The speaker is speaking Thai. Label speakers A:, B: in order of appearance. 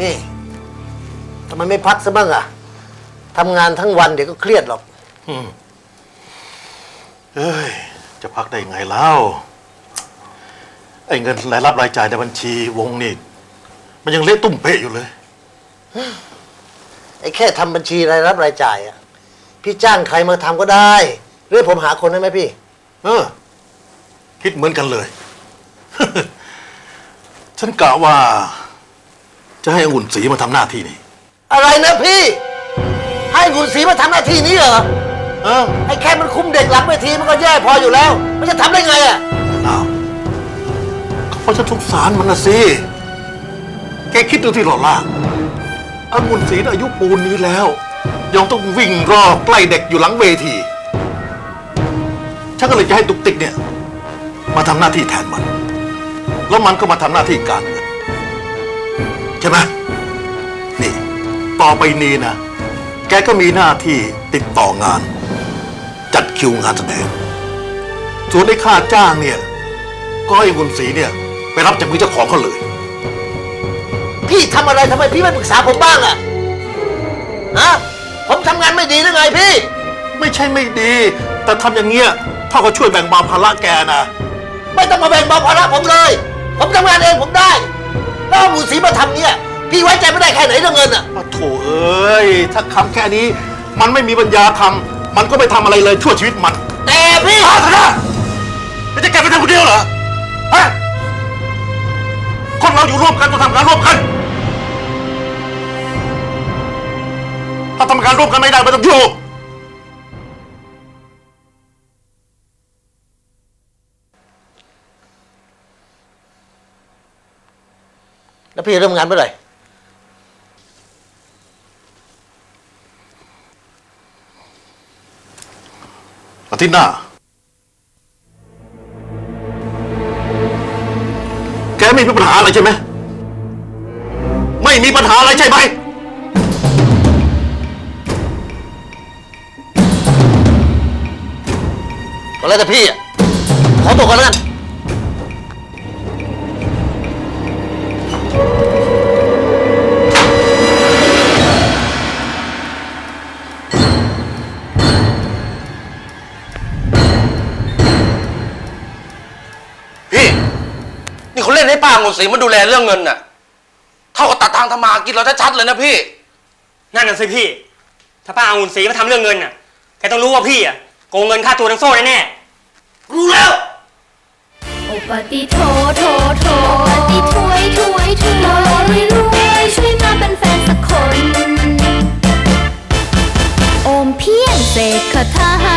A: นี่ทำไมไม่พักซะบ้างอะทำงานทั้งวันเดี๋ยวก็เครียดหรอก
B: เอ้ยจะพักได้ไงแล้วไอ้เงินรายรับรายจ่ายในบัญชีวงนี่มันยังเละตุ้มเป๊ะอยู่เลย
A: ไอ้แค่ทำบัญชีรายรับรายจ่ายอะพี่จ้างใครมาทำก็ได้หรือผมหาคนได้ไหมพี่
B: คิดเหมือนกันเลย ฉันกะว่าจะให้องุ่นศรีมาทำหน้าที่นี่
A: อะไรนะพี่ให้กุนศรีมาทำหน้าที่นี้เหรอไอ้แค่มันคุมเด็กหลังเวทีมันก็แย่พออยู่แล้วมันจะทำได้ไงอะ
B: อ้าวเพราะฉันสงสารมันนะสิแกคิดดูที่หล่อล่าองุ่นศรีอายุปูนนี้แล้วยังต้องวิ่งรอใกล้เด็กอยู่หลังเวทีฉันก็เลยจะให้ตุกติกเนี่ยมาทำหน้าที่แทนมันแล้วมันก็มาทำหน้าที่การเงินใช่ไหมนี่ต่อไปนี้นะแกก็มีหน้าที่ติดต่องานจัดคิวงานแสดงส่วนไอ้ค่าจ้างเนี่ยก็ให้องุ่นศรีเนี่ยไปรับจากมือเจ้าของเขาเลย
A: พี่ทำอะไรทำไมพี่ไม่ปรึกษาผมบ้างอะผมทำงานไม่ดีหรือไงพี่
B: ไม่ใช่ไม่ดีแต่ทำอย่างเงี้ยพ่อก็ช่วยแบ่งเบาภาระแกนะ
A: ไม่ต้องมาแบ่งเบาภาระผมเลยผมทำงานเองผมได้แล้วเอาหมูสีมาทำเนี่ยพี่ไว้ใจไม่ได้แค่ไหนเรื่องเงินอะ
B: โถเอ้ยถ้าคำแค่นี้มันไม่มีปัญญาทำมันก็ไม่ทำอะไรเลยชั่วชีวิตมัน
A: แต่พี่
B: พาเถอะนะไม่ใช่แกไปทำคนเดียวเหรอฮะคนเราอยู่ร่วมกันต้องทำงานร่วมกันถ้าทำงานร่วมกันไม่ได้ไม่ต้องอยู่
A: แล้วพี่เริ่มงานเมื่อไหร่
B: อาทิตย์หน้าแกไม่มีปัญหาอะไรใช่ไหมไม่มีปัญหาอะไรใช่ไหม
A: ก็แล้วแต่พี่อะขอตัวก่อนแล้วกัน
C: นี่เขาเล่นให้ป้าองุ่นศรีมาดูแลเรื่องเงินน่ะเท่ากับตัดทางทำมากินเราชัดๆเลยนะพี่
D: นั่นน่ะสิพี่ถ้าป้าองุ่นศรีมาทำเรื่องเงินน่ะแกต้องรู้ว่าพี่อ่ะโกงเงินค่าตัวทั้งโซ่แน่
A: ๆรู้แล้ว
E: โอปติโทโทโทปฏิถวยถวยถวยรวยช่วยมาเป็นแฟนสักคนโอมเพียงเสกคาถา